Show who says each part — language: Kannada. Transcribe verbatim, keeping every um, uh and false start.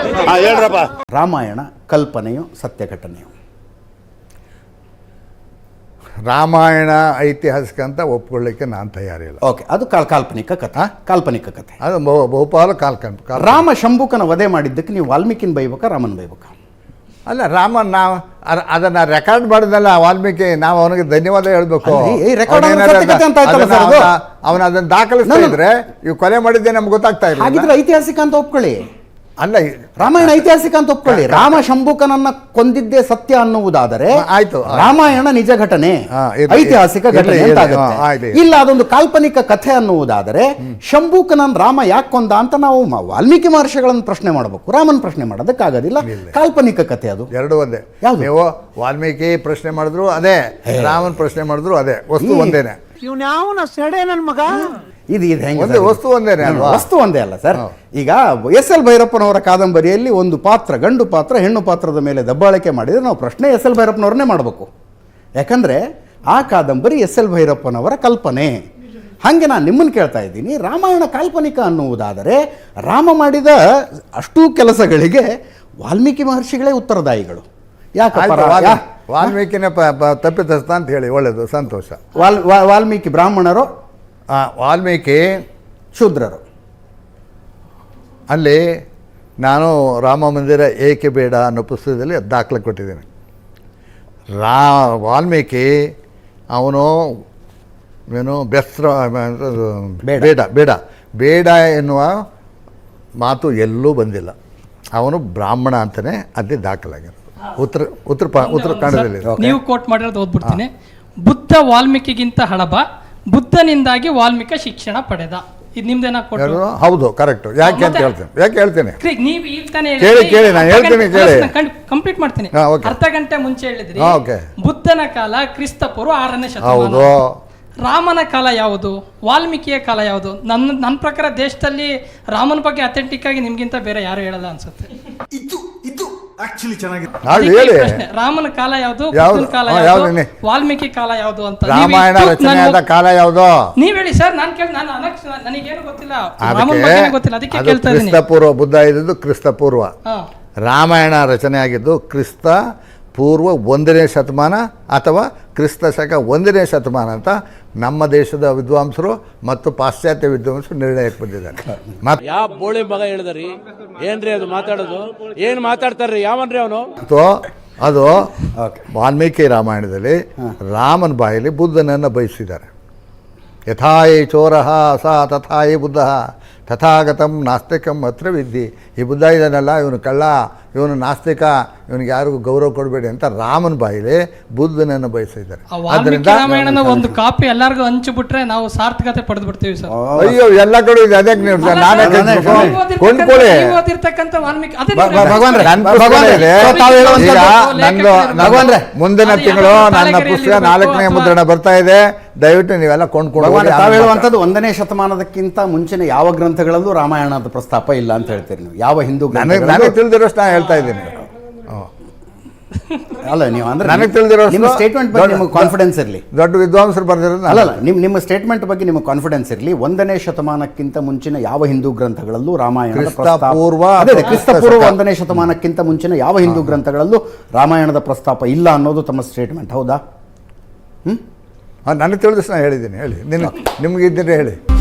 Speaker 1: ಹಾಂ ಹೇಳ್ರಪ್ಪ.
Speaker 2: ರಾಮಾಯಣ ಕಲ್ಪನೆಯು ಸತ್ಯ ಘಟನೆಯು?
Speaker 3: ರಾಮಾಯಣ ಐತಿಹಾಸಿಕ ಅಂತ ಒಪ್ಕೊಳ್ಳಿಕ್ಕೆ ನಾನು ತಯಾರಿಲ್ಲ.
Speaker 2: ಓಕೆ, ಅದು ಕಾಲ್ ಕಾಲ್ಪನಿಕ ಕಥೆ. ಕಾಲ್ಪನಿಕ ಕಥೆ
Speaker 3: ಅದು ಬಹು ಬಹುಪಾಲು ಕಾಲ್ಪನಿಕ.
Speaker 2: ರಾಮ ಶಂಭುಕನ ವಧೆ ಮಾಡಿದ್ದಕ್ಕೆ ನೀವು ವಾಲ್ಮೀಕಿನ ಬೈಬೇಕಾ ರಾಮನ್ ಬೈಬೇಕಾ?
Speaker 3: ಅಲ್ಲ, ರಾಮನ್ ನಾವು ಅದನ್ನು ರೆಕಾರ್ಡ್ ಮಾಡಿದ್ನಲ್ಲ ವಾಲ್ಮೀಕಿ, ನಾವು ಅವನಿಗೆ ಧನ್ಯವಾದ ಹೇಳ್ಬೇಕು. ಅವನು ಅದನ್ನು ದಾಖಲಿಸ್ತಾ ಇದ್ರೆ ಇವು ಕೊಲೆ ಮಾಡಿದ್ದೆ ನಮ್ಗೆ ಗೊತ್ತಾಗ್ತಾ ಇಲ್ಲ.
Speaker 2: ಹಾಗಿದ್ರೆ ಐತಿಹಾಸಿಕ ಅಂತ ಒಪ್ಕೊಳ್ಳಿ.
Speaker 3: ಅಲ್ಲ,
Speaker 2: ರಾಮಾಯಣ ಐತಿಹಾಸಿಕ ಅಂತ ಒಪ್ಕೊಳ್ಳಿ. ರಾಮ ಶಂಭುಕನನ್ನ ಕೊಂದಿದ್ದೇ ಸತ್ಯ ಅನ್ನುವುದಾದರೆ
Speaker 3: ಆಯ್ತು,
Speaker 2: ರಾಮಾಯಣ ನಿಜ ಘಟನೆ, ಐತಿಹಾಸಿಕ ಘಟನೆ ಅಂತ ಆಗುತ್ತೆ. ಇಲ್ಲ, ಅದೊಂದು ಕಾಲ್ಪನಿಕ ಕಥೆ ಅನ್ನುವುದಾದರೆ ಶಂಭುಕನನ್ ರಾಮ ಯಾಕೆ ಕೊಂದ ಅಂತ ನಾವು ವಾಲ್ಮೀಕಿ ಮಹರ್ಷಿಗಳನ್ನು ಪ್ರಶ್ನೆ ಮಾಡಬೇಕು, ರಾಮನ್ ಪ್ರಶ್ನೆ ಮಾಡೋದಕ್ಕಾಗೋದಿಲ್ಲ. ಕಾಲ್ಪನಿಕ ಕಥೆ ಅದು
Speaker 3: ಎರಡು ಒಂದೇ. ನೀವು ವಾಲ್ಮೀಕಿ ಪ್ರಶ್ನೆ ಮಾಡಿದ್ರು ಅದೇ, ರಾಮನ್ ಪ್ರಶ್ನೆ ಮಾಡಿದ್ರು ಅದೇ, ವಸ್ತು ಒಂದೇನೆ.
Speaker 1: ಇವ್ನ ಸೆಡೆ ನನ್ನ ಮಗ
Speaker 2: ಇದು ಇದು ಹೆಂಗೆ?
Speaker 3: ವಸ್ತು ಒಂದೇನೆ ಅಲ್ವಾ?
Speaker 2: ವಸ್ತು ಒಂದೇ ಅಲ್ಲ ಸರ್. ಈಗ ಎಸ್ ಎಲ್ ಭೈರಪ್ಪನವರ ಕಾದಂಬರಿಯಲ್ಲಿ ಒಂದು ಪಾತ್ರ, ಗಂಡು ಪಾತ್ರ ಹೆಣ್ಣು ಪಾತ್ರದ ಮೇಲೆ ದಬ್ಬಾಳಿಕೆ ಮಾಡಿದರೆ ನಾವು ಪ್ರಶ್ನೆ ಎಸ್ ಎಲ್ ಭೈರಪ್ಪನವ್ರನ್ನೇ ಮಾಡಬೇಕು. ಯಾಕಂದರೆ ಆ ಕಾದಂಬರಿ ಎಸ್ ಎಲ್ ಭೈರಪ್ಪನವರ ಕಲ್ಪನೆ. ಹಾಗೆ ನಾನು ನಿಮ್ಮನ್ನು ಕೇಳ್ತಾ ಇದ್ದೀನಿ, ರಾಮಾಯಣ ಕಾಲ್ಪನಿಕ ಅನ್ನುವುದಾದರೆ ರಾಮ ಮಾಡಿದ ಅಷ್ಟೂ ಕೆಲಸಗಳಿಗೆ ವಾಲ್ಮೀಕಿ ಮಹರ್ಷಿಗಳೇ ಉತ್ತರದಾಯಿಗಳು. ಯಾಕಪ್ಪ?
Speaker 3: ವಾಲ್ಮೀಕಿನ ತಪ್ಪಿತಸ್ಥ ಅಂತ ಹೇಳಿ, ಒಳ್ಳೆಯದು, ಸಂತೋಷ.
Speaker 2: ವಾಲ್ ವಾಲ್ಮೀಕಿ ಬ್ರಾಹ್ಮಣರು,
Speaker 3: ವಾಲ್ಮೀಕಿ
Speaker 2: ಶೂದ್ರರು.
Speaker 3: ಅಲ್ಲಿ ನಾನು ರಾಮ ಮಂದಿರ ಏಕೆ ಬೇಡ ಅನ್ನೋ ಪುಸ್ತಕದಲ್ಲಿ ದಾಖಲೆ ಕೊಟ್ಟಿದ್ದೀನಿ. ರಾ ವಾಲ್ಮೀಕಿ ಅವನು ಏನು ಬೆಸ್ರ ಬೇಡ ಬೇಡ ಬೇಡ ಎನ್ನುವ ಮಾತು ಎಲ್ಲೂ ಬಂದಿಲ್ಲ. ಅವನು ಬ್ರಾಹ್ಮಣ ಅಂತಲೇ ಅದೇ ದಾಖಲಾಗಿರೋದು. ಉತ್ತರ ಉತ್ತರ ಉತ್ತರಾಖಂಡದಲ್ಲಿ
Speaker 4: ನೀವು ಕೋಟ್ ಮಾಡಿರೋದು ಓದ್ಬಿಡ್ತೀನಿ. ಬುದ್ಧ ವಾಲ್ಮೀಕಿಗಿಂತ ಹಳಬ, ಬುದ್ಧನಿಂದಾಗಿ ವಾಲ್ಮೀಕಿ ಶಿಕ್ಷಣ ಪಡೆದ. ಇದು ನಿಮ್ದೇನಾ?
Speaker 3: ಹೌದು, ಕರೆಕ್ಟ್. ಯಾಕೆ ಅಂತ ಹೇಳ್ತೀನಿ, ಯಾಕೆ ಹೇಳ್ತೀನಿ
Speaker 4: ನೀವು ಈಗ ತಾನೇ
Speaker 3: ಕೇಳಿ ಕೇಳಿ ನಾನು ಹೇಳ್ತೀನಿ, ಕೇಳಿ
Speaker 4: ಕಂಪ್ಲೀಟ್ ಮಾಡ್ತೀನಿ. ಅರ್ಧ ಗಂಟೆ ಮುಂಚೆ ಹೇಳಿದ್ರಿ ಬುದ್ಧನ ಕಾಲ ಕ್ರಿಸ್ತ ಪೂರ್ವ ಆರನೇ ಶತಮಾನ. ರಾಮನ ಕಾಲ ಯಾವುದು, ವಾಲ್ಮೀಕಿಯ ಕಾಲ ಯಾವುದು? ನನ್ನ ನನ್ನ ಪ್ರಕಾರ ದೇಶದಲ್ಲಿ ರಾಮನ ಬಗ್ಗೆ ಅಥೆಂಟಿಕ್ ಆಗಿ ನಿಮ್ಗಿಂತ ಬೇರೆ ಯಾರು ಹೇಳಲ್ಲ ಅನ್ಸುತ್ತೆ.
Speaker 1: ಇದು ಇದು ಆಕ್ಚುಲಿ ಚೆನ್ನಾಗಿದೆ.
Speaker 4: ರಾಮನ ಕಾಲ ಯಾವುದು, ಬುದ್ಧನ ಕಾಲ ಯಾವುದು, ವಾಲ್ಮೀಕಿ ಕಾಲ ಯಾವುದು ಅಂತ
Speaker 3: ರಾಮಾಯಣ ರಚನೆಯಾದ ಕಾಲ ಯಾವುದು
Speaker 4: ನೀವ್ ಹೇಳಿ ಸರ್. ನಾನು ಕೇಳಿ ನಾನು ನನಗೇನು ಗೊತ್ತಿಲ್ಲ, ರಾಮನ ಬಗ್ಗೆ ಗೊತ್ತಿಲ್ಲ, ಅದಕ್ಕೆ ಕೇಳ್ತಾ ಇದ್ದೀನಿ.
Speaker 3: ಕ್ರಿಸ್ತ ಪೂರ್ವ, ಬುದ್ಧ ಇದ್ದದ್ದು ಕ್ರಿಸ್ತ ಪೂರ್ವ, ರಾಮಾಯಣ ರಚನೆ ಆಗಿದ್ದು ಕ್ರಿಸ್ತ ಪೂರ್ವ ಒಂದನೇ ಶತಮಾನ ಅಥವಾ ಕ್ರಿಸ್ತ ಶಕ ಒಂದನೇ ಶತಮಾನ ಅಂತ ನಮ್ಮ ದೇಶದ ವಿದ್ವಾಂಸರು ಮತ್ತು ಪಾಶ್ಚಾತ್ಯ ವಿದ್ವಾಂಸರು ನಿರ್ಣಯಕ್ಕೆ ಬಂದಿದ್ದಾರೆ.
Speaker 5: ಮತ್ತೆ ಯಾವ ಬೋಳಿ ಮಗ ಹೇಳಿದ್ರಿ ಏನ್ರಿ ಅದು ಮಾತಾಡೋದು? ಏನ್ ಮಾತಾಡ್ತಾರ್ರಿ ಯಾವನ್ರಿ ಅವನು?
Speaker 3: ಅದು ವಾಲ್ಮೀಕಿ ರಾಮಾಯಣದಲ್ಲಿ ರಾಮನ ಬಾಯಲ್ಲಿ ಬುದ್ಧನನ್ನು ಬಯಸಿದ್ದಾರೆ. ಯಥಾಯಿ ಚೋರಃ ಸ ತಥಾಯಿ ಬುದ್ಧ ತಥಾಗತಂ ನಾಸ್ತಿಕಂ ಅತ್ರ ವಿದ್ಯೆ. ಈ ಬುದ್ಧ ಇದನ್ನೆಲ್ಲ ಇವನು ಕಳ್ಳ, ಇವನು ನಾಸ್ತಿಕ, ಇವನಿಗೆ ಯಾರಿಗೂ ಗೌರವ ಕೊಡಬೇಡಿ ಅಂತ ರಾಮನ ಬಾಯಿಲೆ ಬುದ್ಧನನ್ನು ಬಯಸಿದ್ದಾರೆ.
Speaker 4: ರಾಮಾಯಣನ ಒಂದು ಕಾಪಿ ಎಲ್ಲರಿಗೂ ಹಂಚಿಬಿಟ್ರೆ ನಾವು ಸಾರ್ಥಕತೆ ಪಡೆದು ಬಿಡ್ತೀವಿ ಸರ್.
Speaker 3: ಅಯ್ಯೋ, ಎಲ್ಲ ಕಡೆ ಇದೆ. ಅದಕ್ಕೆ ನೀವು ನಾನೇ ಕೊಂಡ್ಕೊಳ್ಳಿ. ನಂದು ಮುಂದಿನ ತಿಂಗಳು ನನ್ನ ಪುಸ್ತಕ ನಾಲ್ಕನೇ ಮುದ್ರಣ ಬರ್ತಾ ಇದೆ. ದಯವಿಟ್ಟು ನೀವೆಲ್ಲ ಕೊಂಡ್ಕೊಂಡು.
Speaker 2: ತಾವು ಹೇಳುವಂಥದ್ದು ಒಂದನೇ ಶತಮಾನದಕ್ಕಿಂತ ಮುಂಚಿನ ಯಾವ ಗ್ರಂಥಗಳಲ್ಲೂ ರಾಮಾಯಣದ ಪ್ರಸ್ತಾಪ ಇಲ್ಲ ಅಂತ ಹೇಳ್ತೀರಿ ನೀವು? ಯಾವ ಹಿಂದೂ
Speaker 3: ನನಗೆ ತಿಳಿದಿರೋಷ್ಟು ನಾನು ಹೇಳ್ತಾ ಇದ್ದೀನಿ.
Speaker 2: ಅಲ್ಲ, ನೀವು ಅಂದ್ರೆ
Speaker 3: ನನಗೆ ತಿಳಿದಿರೋ
Speaker 2: ನಿಮ್ಮ ಸ್ಟೇಟ್ಮೆಂಟ್ ಬಗ್ಗೆ ನಿಮಗೆ ಕಾನ್ಫಿಡೆನ್ಸ್ ಇರಲಿ.
Speaker 3: ದೊಡ್ಡ ವಿದ್ವಾಂಸರು ಬರ್ದಿರೋದು
Speaker 2: ಅಲ್ಲ, ನಿಮ್ಮ ನಿಮ್ಮ ಸ್ಟೇಟ್ಮೆಂಟ್ ಬಗ್ಗೆ ನಿಮಗೆ ಕಾನ್ಫಿಡೆನ್ಸ್ ಇರಲಿ. ಒಂದನೇ ಶತಮಾನಕ್ಕಿಂತ ಮುಂಚಿನ ಯಾವ ಹಿಂದೂ ಗ್ರಂಥಗಳಲ್ಲೂ ರಾಮಾಯಣದ
Speaker 3: ಪೂರ್ವ
Speaker 2: ಕ್ರಿಸ್ತ ಪೂರ್ವ ಒಂದನೇ ಶತಮಾನಕ್ಕಿಂತ ಮುಂಚಿನ ಯಾವ ಹಿಂದೂ ಗ್ರಂಥಗಳಲ್ಲೂ ರಾಮಾಯಣದ ಪ್ರಸ್ತಾಪ ಇಲ್ಲ ಅನ್ನೋದು ತಮ್ಮ ಸ್ಟೇಟ್ಮೆಂಟ್, ಹೌದಾ? ಹ್ಮ್
Speaker 3: ನನಗೆ ತಿಳಿದಷ್ಟು ನಾನು ಹೇಳಿದ್ದೀನಿ. ಹೇಳಿ, ನಿನ್ನ ನಿಮ್ಗೆ ಇದ್ದರೆ ಹೇಳಿ.